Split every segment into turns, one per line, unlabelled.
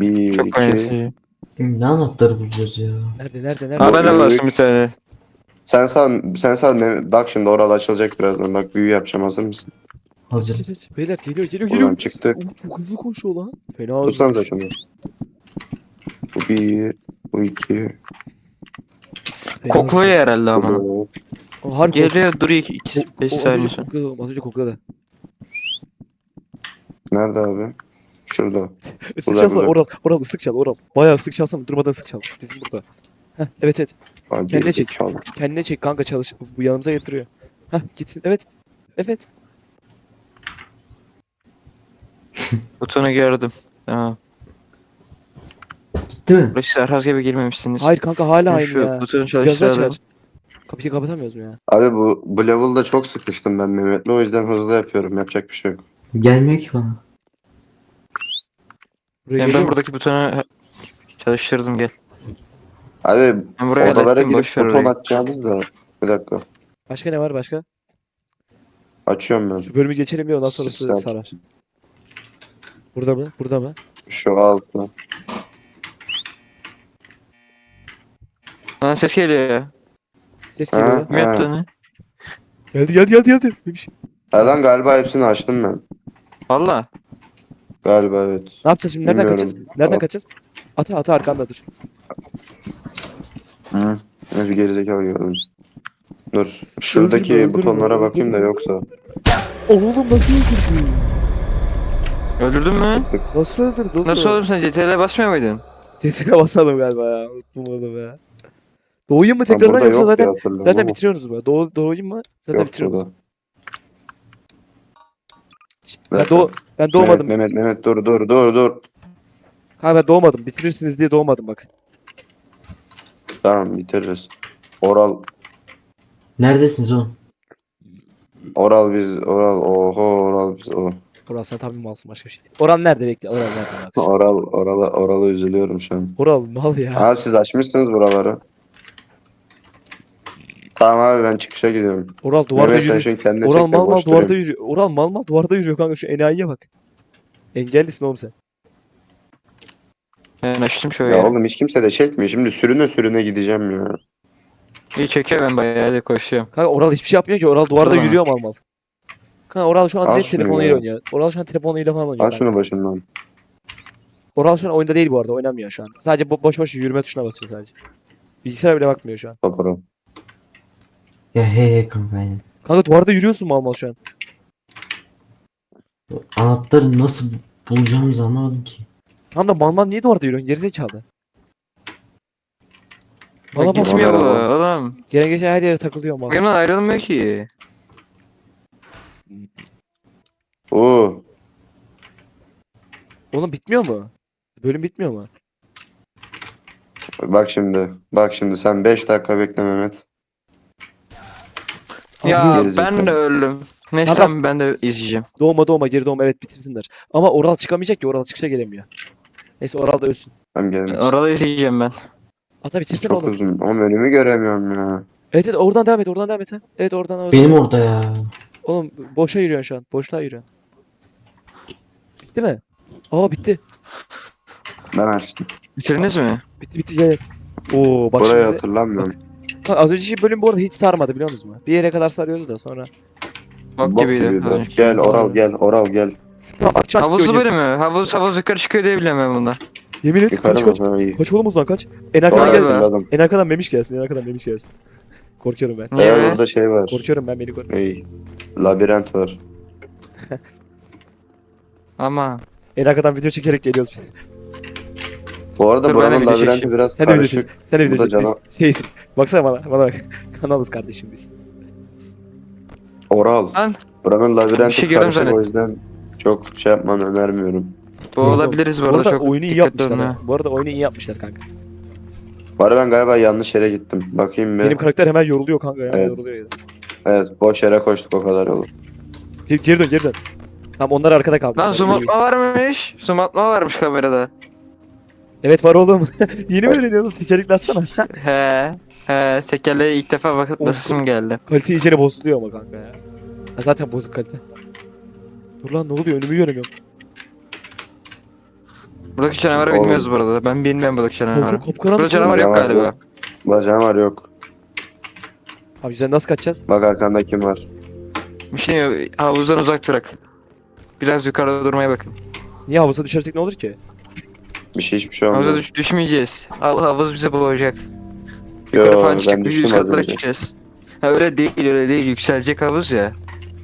Bir,
Çok
iki.
aynısı.
Ne anahtarı bulacağız ya?
Nerede?
Ha ben de
Üç.
bastım bir tane.
Sen sal. Bak şimdi oralı açılacak birazdan. Bak büyü yapacağım, hazır mısın?
Hazır.
Beyler geliyor.
Buradan çıktık.
Çok hızlı koşuyor lan. Fena
Tutsanıza
hızlı.
şunu. Bu bir. Bu iki.
Kokluyor herhalde ama.
Bu.
Harbi
Geliyor duruyor 5 saniye sonra.
Az önce kokladı.
Nerede abi? Şurada.
Islık
Uzak,
çalsana
uzak.
Oral ıslık çal Oral. Bayağı ıslık çalsana durmadan ıslık çal. Bizim burada. Heh, evet.
Aa,
Kendine
geri
çek.
zekalı.
Kendine çek kanka çalış. Bu yanımıza getiriyor. Heh gitsin. Evet.
Butonu gördüm. Tamam.
Gitti mi?
Burası Serhaz gibi girmemişsiniz.
Hayır kanka hala
Ben
aynı
şu
ya.
butonu
Biraz daha
çalıştıralım.
çıkar. Kapıyı kapatamıyoruz mu ya?
Abi bu level'da çok sıkıştım ben Mehmet'le, o yüzden hızlı yapıyorum. Yapacak bir şey yok.
Gelmiyor ki bana.
Buraya
Yani
geliyor
ben
mu?
buradaki butonu çalıştırdım gel.
Abi
Ben buraya
odalara
hallettim
girip
boş ver
buton
orayı.
atacağınız da. Bir dakika.
Başka ne var başka?
Açıyorum ben.
Şu bölümü geçelim ya ondan sonrası
Sistem.
sarar. Burada mı? Burada mı?
Şu altta.
Lan ses geliyor ya.
Ses geliyor.
Ha.
Kim yaptı onu?
Geldi. Neymiş?
Lan galiba hepsini açtım ben.
Valla.
Galiba evet.
Ne yapacağız şimdi? Nereden
Bilmiyorum.
kaçacağız? Nereden
At.
kaçacağız? Ata arkanda dur.
Hı. Önce gerizekalı gördüm. Dur. Şuradaki
Öldürme,
butonlara bakayım da
öldürme.
yoksa.
Oğlum nasıl öldürdün?
Öldürdün mü?
Nasıl öldürdün?
Nasıl oğlum sen CTRL'e basmıyor muydun?
CTRL'e basalım galiba ya. Unuttum onu be. Doğuyum mu
Ha,
tekrardan
burada
yoksa
yok diye
zaten
hatırlıyorum
zaten
ama
bitiriyorsunuz mu? Doğuyum mu? Zaten
yok
bitiriyoruz.
burada. Bir
Ben,
dakika.
ben doğmadım.
Mehmet dur.
Ha ben doğmadım. Bitirirsiniz diye doğmadım bak.
Tamam, bitiririz. Oral
Neredesiniz oğlum?
oral biz o.
Oral sen tabii malsın başka bir şey değil. Oral nerede bekle? Oral nerede bak.
Orala üzülüyorum şu an.
Oral mal ya.
Abi siz açmışsınız buraları. Tamam abi, ben çıkışa gidiyorum.
Oral duvarda
Mehmet sen
yürüyor.
şu kendine
Oral
çek de
mal
boş
duvarda
durayım.
yürüyor. Oral mal duvarda yürüyor kanka şu enayiye bak. Engellisin oğlum sen.
Ben açtım şöyle.
Ya oğlum hiç kimse de çekmiyor. Şimdi sürüne gideceğim ya.
İyi çekiyor ben bayağı da koşuyorum.
Kanka Oral hiçbir şey yapmıyor ki. Oral duvarda
Tamam.
yürüyor mal. Kanka Oral şu an
Al
direkt
şunu
telefonuyla
ya.
oynuyor. Oral şu an telefonuyla falan oynuyor.
Al
kanka.
şunu başımdan.
Oral şu an oyunda değil bu arada. Oynamıyor şu an. Sadece boş yürüme tuşuna basıyor sadece. Bilgisayara bile bakmıyor şu an.
Topara.
Ya he kanka aynen.
Kanka duvarda yürüyorsun mal şu an.
Anahtarı nasıl bulacağımızı anlamadım ki.
Tam da mal niye duvarda yürüyorsun? Gerizekalı. Bana bak.
Gitmiyor bu
Bana
oğlum.
Gelen geçen her yere takılıyor mal.
Yanından ayrılmıyor ki.
Oo.
Oğlum bitmiyor mu? Bölüm bitmiyor mu?
Bak şimdi sen 5 dakika bekle Mehmet.
Ya
Gerizekalı.
ben de öldüm. Neyse
Tamam.
tamam, ben de izleyeceğim.
Doğma geri doğma evet bitirsinler. Ama Oral çıkamayacak ki Oral çıkışa gelemiyor. Neyse Oral da ölsün.
Tamam gelme.
Orada izleyeceğim ben.
Ata bitirsene
Çok
oğlum.
uzun. Ama önümü göremiyorum ya.
Evet oradan devam et sen. Evet oradan.
Benim orada ya.
Oğlum boşa yürüyorsun şu an. Boşluğa yürüyorsun. Bitti mi? Aa bitti.
Ben açtım.
Bitirdiniz mi?
Bitti gel. Oo bak
Burayı
şimdi.
hatırlamıyorum.
Ha, az önceki bölüm bu arada hiç sarmadı biliyor musunuz? Bir yere kadar sarıyordu da sonra.
Bok
Bok
gibiydi.
gibiydi.
az önce.
Gel Oral gel.
Aç
Havuzlu
diyor,
bölümü. Havuz yukarı çıkıyor diye biliyorum ben bunda.
Yemin et
Yukarı
kaç.
mı? Ha, iyi.
Kaç oğlum o zaman kaç. En arkadan
Doğru
gel.
hatırladım.
En arkadan Memiş gelsin. Korkuyorum ben.
Niye
Eğer
be?
burada şey var.
Korkuyorum ben beni koru.
İyi. Labirent var.
Ama.
En arkadan video çekerek geliyoruz biz.
Bu arada
Dur, ben de
buranın
video
labirenti
çekeyim.
biraz
Sen de video çek.
karışık.
Sen de video
Burada
çek. Biz
canavar-
şeysin. Baksana bana bak. Kanalız kardeşim biz.
Oral.
Lan.
Buranın
Bir
labirenti
şey gördüm
karışık, o
zannettim.
yüzden çok şey yapmanı önermiyorum.
Boğulabiliriz bu arada çok.
oyunu iyi
dikkatli
yapmışlar
olun
ha. Bu arada oyunu iyi yapmışlar kanka.
Bu arada ben galiba yanlış yere gittim. Bakayım bir.
Benim karakter hemen yoruluyor kanka hemen
Evet.
yoruluyor ya.
Evet, boş yere koştuk o kadar yolu.
Geri dön. Tamam onlar arkada kaldı.
Lan zoom atma varmış. Zoom atma varmış kamerada.
Evet var oğlum. Yeni mi öğreniyorsun? Tekerlekli atsana.
He. Tekerleğe ilk defa bakıp basasım geldi.
Kalite iyicene bozuluyor ama kanka ya. Ha, zaten bozuk kalite. Dur lan ne oluyor önümü göremiyorum.
Buradaki canavarı
Oğlum.
bilmiyoruz bu arada. Ben bilmiyorum buradaki canavarı.
Korku kopkaranlık.
Burada canavar yok
Canavar
galiba.
yok. Bacağım var yok.
Abi sen nasıl kaçacağız?
Bak arkanda kim var?
Bir şey yok. Havuzdan uzak durak. Biraz yukarıda durmaya bakın.
Niye havuza düşersek ne olur ki?
Hiçbir şey
Havuza
olmaz.
düşmeyeceğiz. Havuz bizi boğacak.
Yo,
Yukarı falan
ben
çıkıp
düştüm
yüz
az
katlara
önce.
çıkacağız. Ha öyle değil. Yükselecek havuz ya.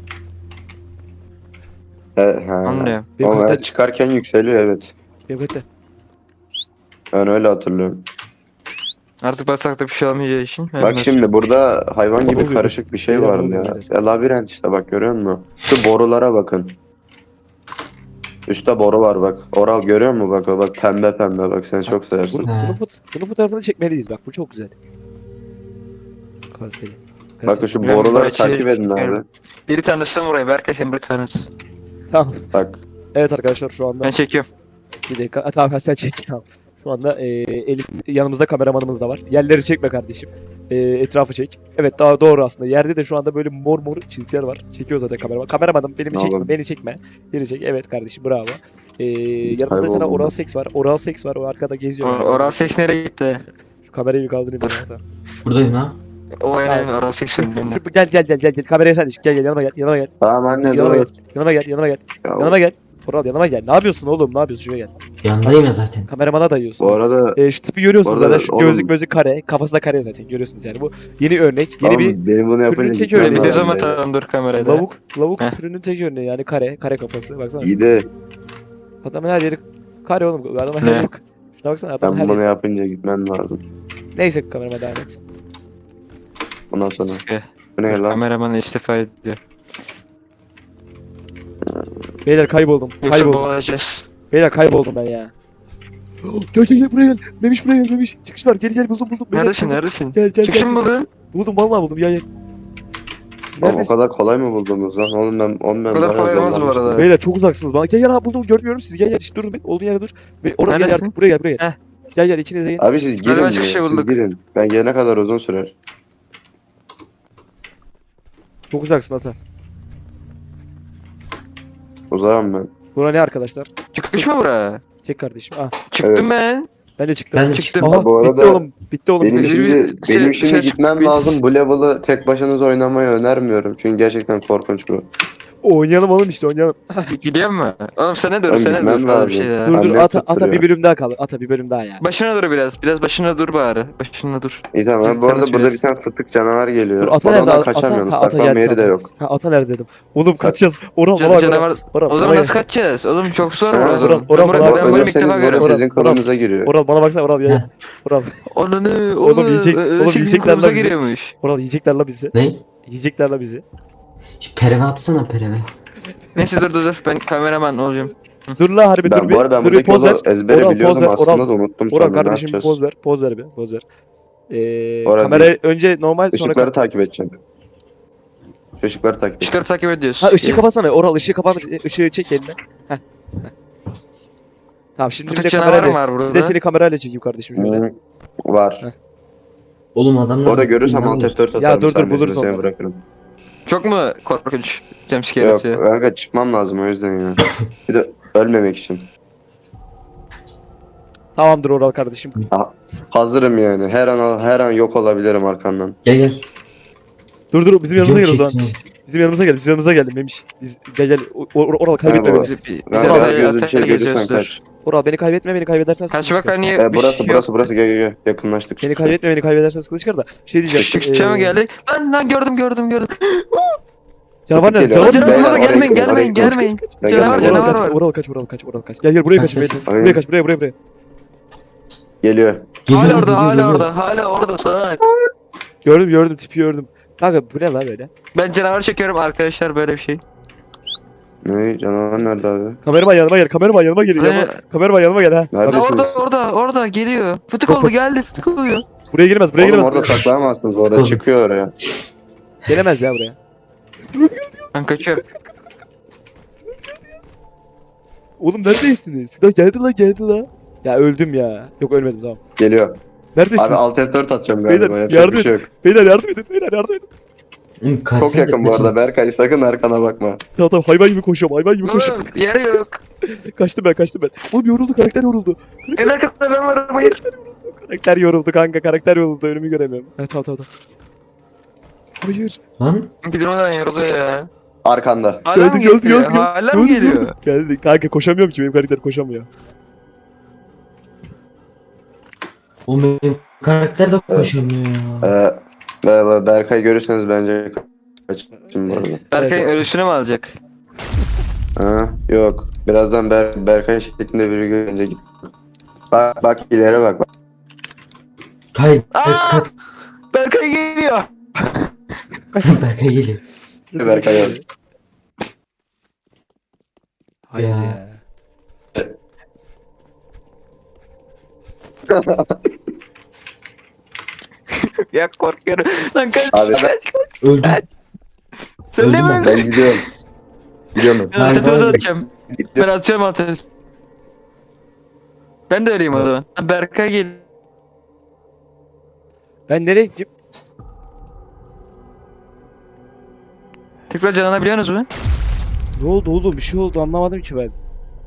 He.
Anlıyorum.
Benim
Ama
kalite,
çıkarken yükseliyor evet.
benim kalite.
Ben öyle hatırlıyorum.
Artık basakta bir şey olmayacağı için.
Bak şimdi burada hayvan gibi
Oluyor.
karışık bir şey
Beyler,
vardı
oluyor
ya.
beyler.
Ya labirent işte bak görüyor musun? Şu borulara bakın. Üstte boru var bak. Oral görüyor musun bak o bak pembe bak sen çok seversin.
Bunun fotoğrafını çekmeliyiz bak bu çok güzel. Kaliteli.
Bakın şu
Ben
boruları
buraya
takip
şey-
edin abi.
Bir tanesi burayı. Berkay sen bir tanesi.
Tamam.
Bak
Evet arkadaşlar şu anda
Ben çekiyorum.
bir dakika. Tamam sen çek. Tamam. Şu anda Elif yanımızda kameramanımız da var. Yerleri çekme kardeşim. Etrafı çek. Evet daha doğru aslında. Yerde de şu anda böyle mor çizgiler var. Çekiyor zaten kameraman. Kameramanım beni
Ne
çekme.
oğlum?
Beni çekme. Beni çek. Evet kardeşim bravo. Yanımızda sana
Kayboldum
oral
ben.
seks var. Oral seks var. O arkada geziyor.
Oral seks nereye gitti?
Şu kamerayı bir kaldırayım ben. Tamam.
Buradayım ha.
O aynen oral seks önünde.
Gel. Kameraya sen iş. Gel yanıma gel.
tamam anne
Yanıma gel.
dur.
Yanıma gel.
Ya,
Yanıma gel. Oral yanıma gel. Ne yapıyorsun oğlum? Ne yapıyorsun? Şuraya gel.
Yanındayım ya zaten.
Kameramana dayıyorsun.
bu arada
Şu tipi görüyorsunuz
Bu arada
zaten. Şu
oğlum-
gözlük kare. Kafası da kare zaten. Görüyorsunuz yani. Bu yeni örnek. Yeni
tamam,
bir
benim bunu yapınca
tek
gitmem
öyle.
Bir de
lazım
zaman
benim.
atalım dur kameraya da.
lavuk
Heh.
türünün tek örneği yani kare kafası. Baksana.
İyi de
Adamın her yeri kare oğlum. Adamın her
Ne?
yeri. Şuna baksana adamın her
ben bunu
yeri.
yapınca gitmem lazım.
Neyse kamerama devam et.
Ondan sonra.
Eh,
Bu ne lan?
Kameraman istifa ediyor.
Beyler kayboldum.
Yoksa
Kayboldum.
boğulacağız.
Beyler kayboldum ben ya. Gel buraya gel. Memiş buraya gel Memiş. Çıkış var. Gel buldum. Beyler,
Neredesin?
buldum.
Neredesin?
Gel.
Çıkışın buldun.
Buldum vallahi buldum. Gel.
Oğlum, o
Neredesin?
kadar kolay mı buldunuz lan? Oğlum ben
O kadar kolay olmaz bu
zorlanmıştım.
arada.
Beyler çok uzaksınız bana. Gel ha buldum görmüyorum siz gel işte durun be. Olduğun yere dur. Ve oraya gel
Neredesin?
artık buraya gel.
Heh.
Gel ikiniz de gelin.
Abi siz girin
başka
ya,
şey
siz
bulduk.
girin. Ben gelene kadar uzun sürer.
Çok uzaksın ata.
Uzağım ben.
Bura ne arkadaşlar?
Çıkış mı bura?
Çek kardeşim. Ah
Çıktım ben.
ben de çıktım.
Ben de
Çıktım.
Aha,
Bu arada
bitti oğlum. Bitti oğlum.
Benim
Bir-
şimdi
bir-
benim
şey-
şimdi
şey-
gitmem
biz-
lazım. Bu level'ı tek başınıza oynamayı önermiyorum. Çünkü gerçekten korkunç bu.
Oynayalım oğlum işte oynayalım.
Gidiyor mu? Oğlum sene dur
Oğlum,
sene
gitmem
dur. Öyle bir
lazım.
şey ya.
Dur
Annem
ata
tutturuyor.
bir bölüm daha kaldı. Ata bir bölüm daha ya.
Başına dur biraz. Biraz başına dur bari. Başına dur.
İyi tamam. Ben bu arada
Tanış
burada
biraz.
bir tane fıtık canavar geliyor.
Dur ata
Oradan
nerede?
kaçamıyorsunuz.
Ata
Saklanma
geldi,
yeri de
tamam.
yok.
Ha ata nerede dedim. Oğlum kaçacağız. Oral
Canavar.
Oral
O zaman nasıl kaçacağız? Oğlum çok zor
Ha,
bu
Oral,
oğlum.
Oral,
Ben burayı
Oral,
ben burayı ilk
Ölürseniz
defa
bu
görüyorum.
sizin kolunuza giriyor.
Oral bana baksana Oral ya. Oral.
Ananı
Oğlum yiyecekler
yiyecekler
lan bizi.
giriyormuş.
Oral yiyecekler la bizi.
Ne?
Yiyecekler la bizi.
Şu pereve atsana pereve.
Neyse dur. Ben kameraman olacağım.
Dur la harbi dur
Ben
bir.
bu arada ben
Dur bir
buradaki
poz
yolu
ver.
ezbere
Oral,
biliyordum
poz ver,
aslında
Oral.
da unuttum
Oral
sonra ne
kardeşim
yapacağız?
poz ver. Poz ver bir. Poz ver.
Oral
Kamera önce normal sonra
Işıkları takip edeceğim. Şu ışıkları takip edeceğim.
Işıkları takip ediyoruz.
Ha ışığı kapatsana. Oral ışığı kapat. Işığı çek eline. Heh. Tamam şimdi bir de
Kutu canavar
kamerayla.
var
Bir de
burada.
seni kamerayla çekeyim kardeşim şöyle.
Hı, var.
Heh.
Oğlum adamlar...
Orada görürsem
Dinlen
alt
olsun.
F4 atarım.
Ya dur,
sahnesini
buluruz
seni
onları.
bırakırım.
Çok mu korkunç? Jumpscare
Yok
atıyor.
kanka çıkmam lazım o yüzden ya. Bir de ölmemek için.
Tamamdır Oral kardeşim.
Hazırım yani. Her an yok olabilirim arkandan.
Gel.
Dur bizim yanımıza
Video
gel o zaman.
çekeceğim.
Bizim yanımıza gel Memiş. Biz gel. Oral kaybetme
Ha,
beni.
Biz
Ben
Oral,
her gözü bir şey
geziyoruz,
görürsen
dur.
kaç.
Oral beni kaybetme beni kaybedersen sıkıntı
Kaç bak
çıkar.
niye bir
Burası
şey yok.
burası gel yakınlaştık.
Beni kaybetme beni kaybedersen sıkıntı çıkar da. Şey diyeceğim.
Çıkışa mı geldik? Lan gördüm.
Canavar nerede?
Geliyor.
Canavar
Beyler,
nerede?
Canavar
oraya
gelmeyin
gidin, oraya
gelmeyin.
gidin.
Gelmeyin.
Ben
Canavar
gelmem.
canavar var.
Oral kaç. Gel buraya kaç.
Aynen.
Buraya kaç buraya.
Geliyor.
Geliyorum,
Hala
geliyorum.
orada salak.
Gördüm tipi gördüm. Kanka bu ne lan böyle?
Ben canavar çekiyorum arkadaşlar böyle bir şey.
Ne canavar nerede abi?
Kameraman yanıma gel. Kameraman yanıma gel. Kameraman yanıma gel ha.
Nerede?
Lan
Neredesiniz?
orada geliyor. Fıtık oldu geldi fıtık oluyor.
Buraya giremez. Buraya
Oğlum
giremez.
orada saklayamazsınız orada
Oğlum.
çıkıyor oraya.
Gelemez ya buraya.
Ben kaçıyorum.
Oğlum neredesiniz? Lan geldi la. Ya öldüm ya. Yok ölmedim tamam.
Geliyor. Abi
Neredesiniz?
alt F4 atacağım
Beyler,
galiba. Yapacak
yardım
bir şey yok.
Beyler yardım edin.
Oğlum
Çok
kaçsana,
yakın bu arada Berkay, sakın arkana bakma.
Tamam hayvan gibi koşuyorum hayvan gibi koşuyorum.
Oğlum yer yok.
Kaçtım ben. Oğlum yoruldu karakter yoruldu.
En arkasında ben varım. Hayır.
Karakter yoruldu kanka karakter yoruldu önümü göremiyorum. Evet tamam. Hayır.
Lan
Gidilmeden yoruluyor ya.
Arkanda.
Hala mı
Geldi.
geliyor? Hala mı geliyor?
Geldi. Kanka koşamıyorum ki benim karakter koşamıyor.
oğlum benim karakter de koşamıyor ya.
Berkay görürseniz bence kaçın bu arada.
Berkay
Evet.
ölüsünü mü alacak?
Ha, yok. Birazdan Berkay şeklinde biri görünce git. Bak ileri bak.
Kay
Aa!
kaç.
Berkay geliyor.
Berkay geliyor.
Berkay abi.
Hayır
Ya.
ya.
Ya korkuyorum. Lan kaç.
Abi,
kaç.
Öldüm.
Sen de
öldüm
mi
ben.
öldün?
Ben gidiyorum. Gidiyorum.
Ben
Hayır,
altı
hayır.
atacağım. Ben atacağım altı. Ben de öleyim o zaman. Berkay gel.
Ben nereye gideyim?
Tekrar canlanabiliyorsunuz mu?
Ne oldu oğlum bir şey oldu anlamadım ki ben.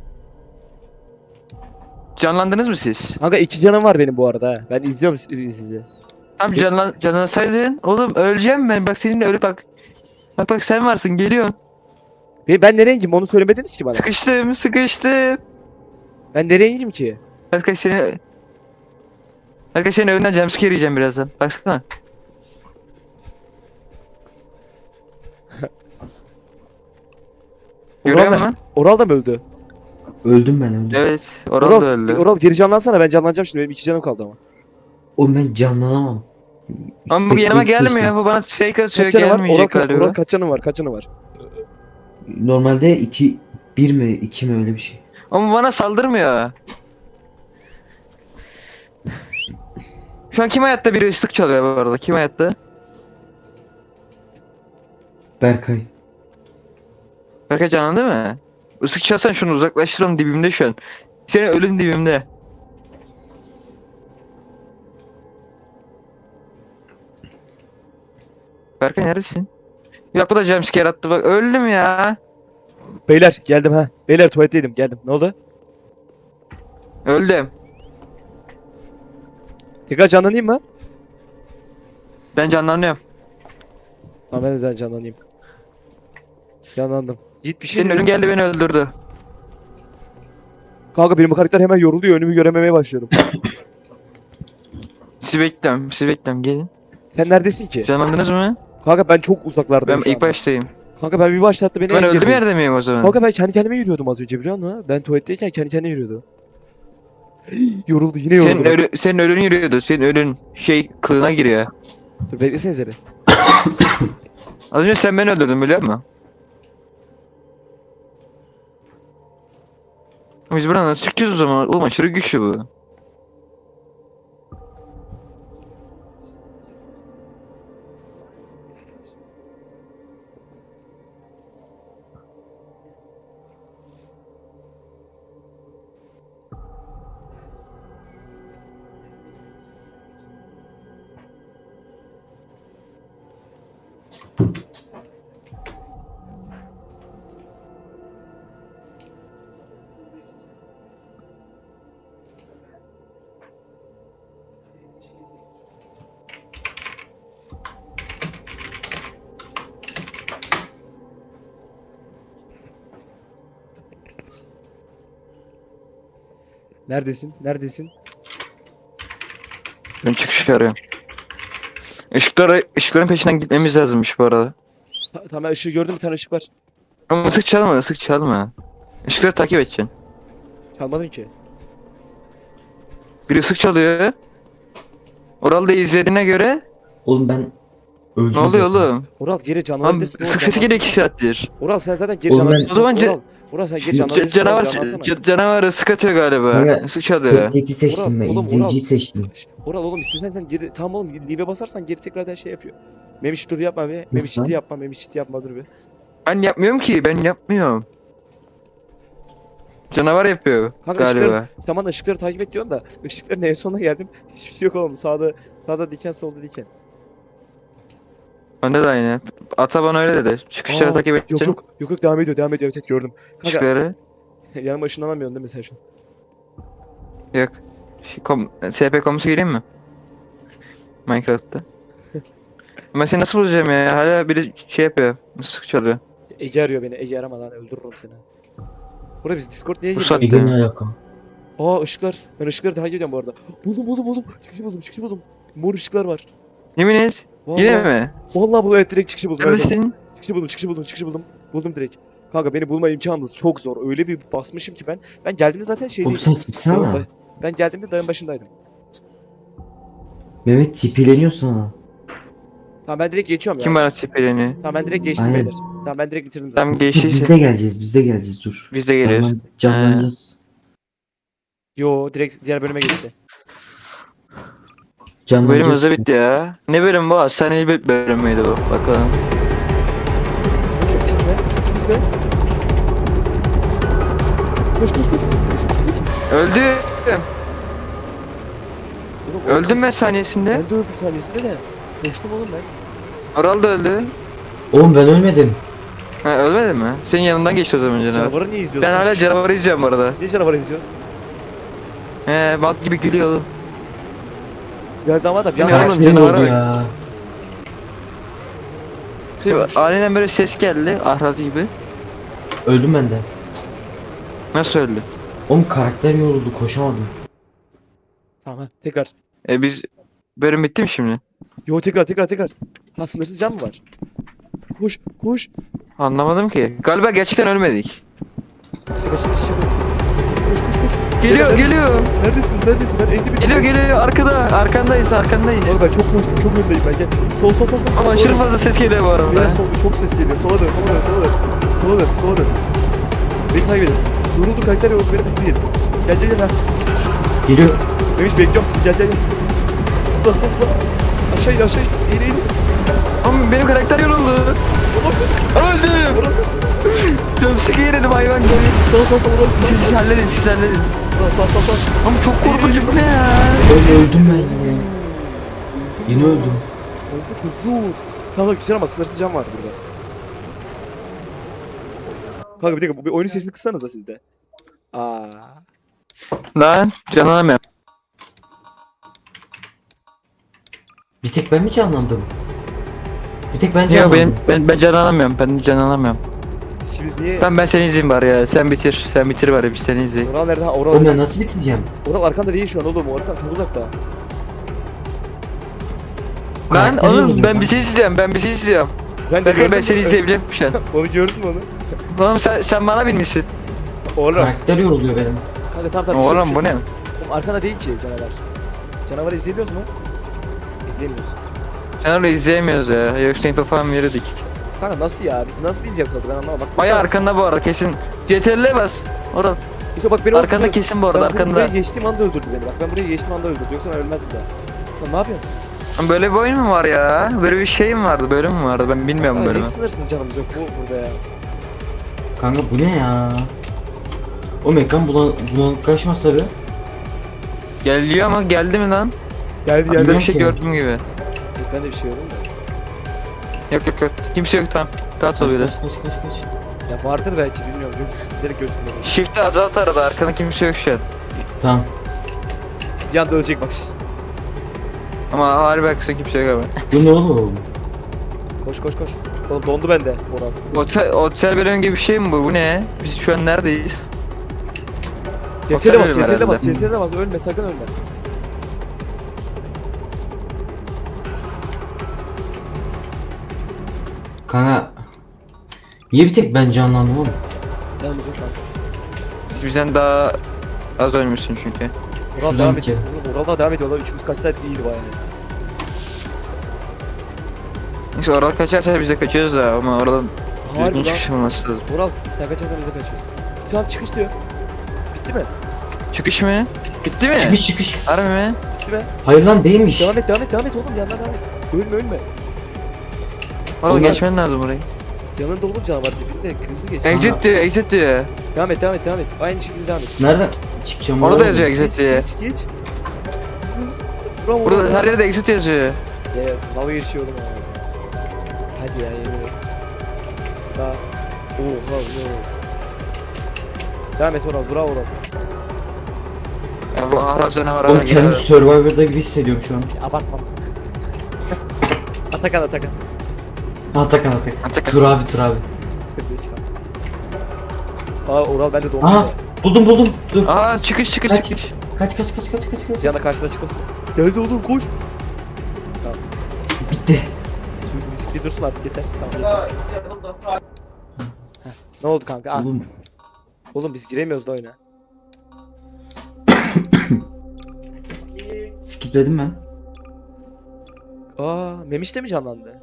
Canlandınız mı siz?
Kanka 2 canım var benim bu arada ha. Ben izliyorum sizi.
Tam canlansaydın. Oğlum öleceğim ben. Bak seninle ölüp bak. Bak sen varsın geliyorsun.
Ben nereye gideyim onu söylemediniz ki bana.
Sıkıştım.
Ben nereye gideyim ki?
Berkay seni... Berkay senin önünden jumpscare yiyeceğim birazdan. Baksana. Görüyor
Oral,
musun?
Oral da mı öldü?
Öldüm ben öldüm.
Evet. Oral da öldü.
Oral geri canlansana ben canlanacağım şimdi benim 2 canım kaldı ama.
Oğlum ben canlanamam.
Ama bu yanıma
Spektrix
gelmiyor.
seçtim.
Bu bana fake atıyor.
Kaç canı var?
Gelmeyecek
Oral
galiba.
kaç canı var? Kaç canı var?
Normalde 2 1 mi 2 mi öyle bir şey.
Ama bana saldırmıyor. Şu an kim hayatta biri ıslık çalıyor bu arada? Kim hayatta?
Berkay.
Berkay canlandı mı? Islık çalsan şunu uzaklaştıralım dibimde şu an. Senin ölün dibimde. Berkay neredesin? Yok bu da jumpscare attı bak öldüm ya.
Beyler geldim ha. Beyler tuvaletteydim geldim. Ne oldu?
Öldüm.
Tekrar canlanayım mı?
Ben canlanıyorum.
Tamam ben de canlanayım. Canlandım. Git bir şey
Senin
dedim.
ölün geldi beni öldürdü.
Kanka benim bu karakter hemen yoruluyor önümü görememeye başlıyorum.
Sizi bekliyorum gelin.
Sen neredesin ki?
Canlandınız mı?
Kanka ben çok uzaklardayım
Ben
şu
ilk
anda.
baştayım.
Kanka ben bir başlattı beni
Ben
engelledi.
öldüğüm yerde miyim o zaman?
Kanka ben kendi kendime yürüyordum az önce biliyor musun? Ben tuvaletteyken kendi kendine yürüyordu. Yoruldu yine yoruldu.
Senin ölün yürüyordu. Senin ölün kılığına giriyor.
Dur beklesenize bir.
Az önce sen beni öldürdün biliyor musun? Biz buradan nasıl çıkacağız o zaman? Oğlum aşırı güçlü bu.
Neredesin? Neredesin?
Ben çıkış arıyorum. Işıkların peşinden gitmemiz lazımmış bu arada.
Tamam ben ışığı gördüm bir tane ışık var.
Ama ısık çalma. Işıkları takip edeceksin.
Çalmadım ki.
Biri ısık çalıyor. Oral da izlediğine göre
Oğlum ben öldüm
ne oluyor
zaten.
oğlum?
Oral geri
Lan
canlanabilirsin.
ısık sesi geliyor 2 saattir.
Oral sen zaten geri
Oğlum ben-
canlanabilirsin.
O zaman
Oral sen geri canlanabilirsin.
Canavar ısık atıyor galiba.
Kanka,
Isık çalıyor.
Spectate'i seçtim ben.
Oğlum,
İzleyiciyi seçtim.
Oral oğlum istersen sen geri tamam oğlum leave'e basarsan geri tekrardan şey yapıyor. Memiş dur yapma be. Memiş
lan?
ciddi yapma. Memiş ciddi yapma dur be.
Ben yapmıyorum ki. Ben yapmıyorum. Canavar yapıyor
Kanka
galiba.
sen bana ışıkları takip et diyorsun da ışıkların en sonuna geldim. Hiçbir şey yok oğlum. Sağda diken solda diken.
Bende de aynı. Ata bana öyle dedi. Çıkışları
Aa,
takip
Yok
edeceğim.
yok yok yok devam ediyor devam ediyor, evet gördüm. Kanka
Çıkışları.
yanıma ışınlanamıyorsun değil mi sen şu an?
Yok. SP komusu gireyim mi? Minecraft'ta. Ben seni nasıl bulacağım ya? Hala biri şey yapıyor. Mısık çalıyor.
Ege arıyor beni. Ege arama lan, öldürürüm seni. Burada biz Discord niye
Bu
girmiyoruz?
saatte-
Ege ne alaka?
Aa ışıklar. Ben ışıkları takip ediyorum bu arada. Buldum. Çıkışı buldum. Mor ışıklar var.
Yemin et.
Vallahi,
Yine mi?
Vallahi bu, evet, direkt çıkışı buldum. Evet,
Neredesin?
çıkışı buldum. Buldum direkt. Kanka beni bulma imkanınız çok zor. Öyle bir basmışım ki ben. Ben geldiğimde zaten
Oğlum
şeydeydim.
sen çıksana.
Ben geldiğimde dağın başındaydım.
Mehmet tipileniyor sana.
Tamam ben direkt geçiyorum ya.
Kim bana tipeleni?
Tamam ben direkt geçtim
Aynen.
beyler. Tamam ben direkt bitirdim zaten.
Tam
Dur, biz
geçtiyse
de geleceğiz, biz de geleceğiz dur.
biz de geliyoruz.
Canlanacağız.
Yo direkt diğer bölüme geçti.
Bu bölüm
Canlanacağız.
hızlı bitti ya. Ne bölüm bu? Hastaneli bir bölüm müydü bu? Bakalım.
Biz ne? Koş.
Öldüm.
Oğlum,
Öldüm ben saniyesinde.
Ben de öldüm saniyesinde de. Koştum oğlum ben.
Oral da öldü.
Oğlum ben ölmedim.
Ha ölmedin mi? Senin yanından geçti o zaman canavar.
Canavarı niye izliyorsun?
Ben hala canavarı izliyorum bu arada.
Biz niye canavarı izliyoruz?
He bak gibi gülüyor oğlum.
Geldi ama da bir
Bilmiyorum
anda
oğlum,
Karakterin
canavara
oldu
bak.
ya.
Aniden böyle ses geldi. Ahraz gibi.
Öldüm ben de.
Nasıl öldü?
Oğlum karakter yoruldu, koşamadım.
Tamam ha, tekrar.
Biz bölüm bitti mi şimdi?
Yo tekrar. Ha sınırsız can mı var? Koş.
Anlamadım ki. Galiba gerçekten ölmedik.
Koş.
Geliyor.
Neredesin? Ben endi bir
Geliyor. Arkandayız.
Oğlum ben çok koştum, çok öndeyim ben. Gel. Sol.
Ama aşırı fazla ses geliyor bu arada.
Biraz solda çok ses geliyor. Sola dön. Beni takip edin. Yoruldu karakter yoruldu. Beni hızlı gelin. Gel ha.
Geliyor.
Memiş bekliyorum sizi. Gel. Bas. Aşağı in. Eğil.
Ama benim karakter yoruldu. Öldüm. Jumpscare yedim hayvan gibi.
Sağ.
Siz halledin.
Sağ.
Ama çok korkunç bu ne ya?
Öldüm ben yine. Yine öldüm.
Kanka çok zor. Kanka güzel ama sınırsız can var burada. Kanka bir dakika, bir oyunun sesini kıssanıza siz de.
Lan canlanamıyorum.
Bir tek ben mi canlandım? Bir tek ben
Yok
canlandım.
ben canlanamıyorum.
Sikimiz niye?
Tamam ben seni izleyeyim bari ya. Sen bitir bari biz seni izleyelim.
Oral nerede? Ha
Oğlum
Oral.
ben nasıl bitireceğim?
Oral arkanda değil şu an oğlum. Oral çok uzakta.
Lan
Karakter
oğlum
yoruldu
ben
lan.
bir şey izleyeceğim.
Ben de
Ben
gördüm.
seni izleyebilirim şu an.
Onu gördün mü onu?
Oğlum sen bana binmişsin.
Oral.
Karakter yoruluyor benim.
Kanka tamam.
Oğlum bu ne?
Oğlum arkada değil ki canavar. Canavarı izleyemiyoruz mu? İzleyemiyoruz.
Canavarı izleyemiyoruz ya. Yoksa info falan verirdik.
Kanka nasıl ya? Biz nasıl biz yakaladık ben anlamadım. Bak,
Bayağı arkanda bu arada kesin. CTRL'e bas. Oral.
İşte bak beni
Arkanda kesin bu arada
Ben
arkanda.
buraya geçtiğim anda öldürdü beni. Bak ben buraya geçtiğim anda öldürdü. Yoksa ben ölmezdim daha. Lan ne yapıyorsun?
Lan böyle bir oyun mu var ya? Böyle bir şey mi vardı? Bölüm mü vardı? Ben bilmiyorum
Kanka
bölümü.
hiç sınırsız canımız yok burada ya.
Kanka bu ne ya? O ekran bulanıklaşmasa be.
Geliyor ama geldi mi lan?
Geldi
Ben
Geldi.
bir şey
ki.
gördüm gibi.
Ben de bir şey gördüm de.
Yok. Kimse yok tamam. Rahat ol biraz.
Kaç.
Ya vardır belki bilmiyorum. Direkt gözükmüyor.
Shift'i azalt arada. Arkanda kimse yok şu an.
Tamam.
Bir anda ölecek bak.
Ama harbi haklısın kimse yok abi.
Bu ne oğlum?
Koş. Oğlum dondu bende Oral.
Otel bölüm gibi bir şey mi bu? Bu ne? Biz şu an neredeyiz?
CTRL'e bas,
bölüm
CTRL'e bas,
herhalde.
CTRL'e bas. Ölme sakın ölme.
Kanka. Niye bir tek ben canlandım oğlum?
Canımız yok kanka.
Bizden daha az ölmüşsün çünkü.
Oral
Şuradan
devam
bir
ediyor. Oral da devam ediyor. Üçümüz kaçsaydık iyiydi bayağı.
Neyse oradan kaçarsa biz de kaçıyoruz da ama oradan düzgün
Harbi lan.
çıkış olması lazım.
Oral sen kaçarsan biz de kaçıyoruz. Tamam çıkış diyor. Bitti mi?
Çıkış mı? Bitti mi?
Çıkış.
Harbi mi?
Bitti mi?
Hayır lan değilmiş.
Devam et oğlum yandan devam et. Ölme.
Orada
Ulan-
geçmen lazım orayı.
Yanında oğlum canavar dibinde hızlı geç.
Exit diyor.
Devam et. Aynı şekilde devam et.
Nereden çıkacağım?
Orada
oradan?
yazıyor exit diye.
Geç. Bravo.
Burada her yerde exit yazıyor.
Ya dalga geçiyordum abi. Hadi ya yemin et. Sağ. Oha oha. Devam et Oral. Bravo Oral.
Ya bu ahraz canavarı
Oğlum
hala
kendimi
geliyor.
Survivor'da gibi hissediyorum şu an.
Abartma. Atakan Atakan.
Atakan.
Atakan.
Tur abi.
Gerizekalı. Aa Oral bende dondu.
Aha buldum. Dur.
Aa çıkış.
Kaç.
Çıkış.
Kaç.
Bir anda karşısına çıkmasın. Geldi oğlum koş.
Bitti.
Bir dursun artık yeter. Tamam yeter. Heh, ne oldu kanka? Ah,
Oğlum
oğlum biz giremiyoruz da oyuna.
skipledim ben.
Aa Memiş de mi canlandı?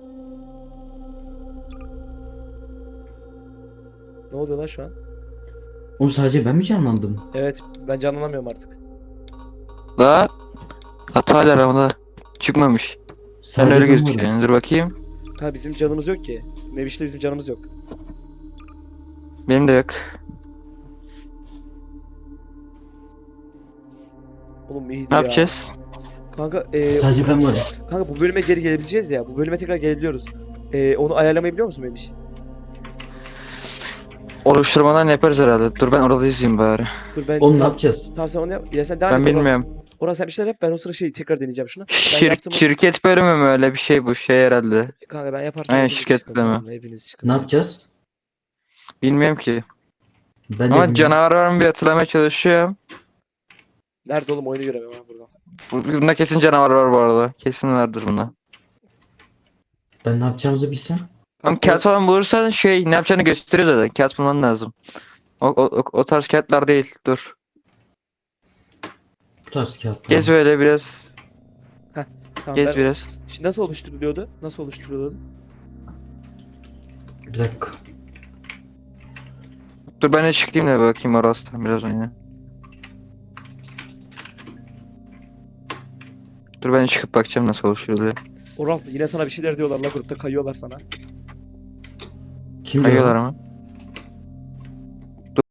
Ne oluyor lan şu an?
Oğlum sadece ben mi canlandım?
Evet ben canlanamıyorum artık.
La. Hata hala aramda. Çıkmamış. Sen
Sadece
öyle
ben varım.
gözüküyor. Dur bakayım.
Ha bizim canımız yok ki. Meviş'te bizim canımız yok.
Benim de yok.
Oğlum iyiydi
Ne
ya.
yapacağız?
Kanka
Sadece ben varım.
kanka bu bölüme geri gelebileceğiz ya. Bu bölüme tekrar gelebiliyoruz. Onu ayarlamayı biliyor musun Memiş?
Oluşturmadan yaparız herhalde. Dur ben orada izleyeyim bari.
Dur ben
Oğlum ne yapacağız?
Tamam sen onu yap. Ya sen devam
Ben
et. Oral.
bilmiyorum.
Oral sen bir şeyler yap. Ben o sıra tekrar deneyeceğim şunu. Ben yaptım.
Şirket bölümü mü öyle bir şey bu şey herhalde.
Kanka ben yaparsam
Aynen,
hepiniz
şirket
çıkın,
bölümü.
tamam mı? Hepiniz çıkın.
Ne yapacağız?
Bilmiyorum ki.
Ben de
Ama
bilmiyorum.
canavar var mı bir hatırlamaya çalışıyorum.
Nerede oğlum oyunu göremiyorum ha burada.
Bunda kesin canavar var bu arada. Kesin vardır bunda.
Ben ne yapacağımızı bilsem.
Ama kağıt falan bulursan ne yapacağını gösteriyor zaten. Kağıt bulman lazım. O tarz kağıtlar değil. Dur.
Bu tarz kağıtlar.
Gez böyle biraz.
Tamam,
Gez
ben-
biraz.
Şimdi nasıl oluşturuluyordu? Nasıl oluşturuluyordu?
Bir dakika.
Dur ben de çıkayım da bakayım orası biraz oyuna. Dur ben de çıkıp bakacağım nasıl oluşuyor.
Oral yine sana bir şeyler diyorlar la grupta kayıyorlar sana.
Kim
Kayıyorlar
diyor?
mı?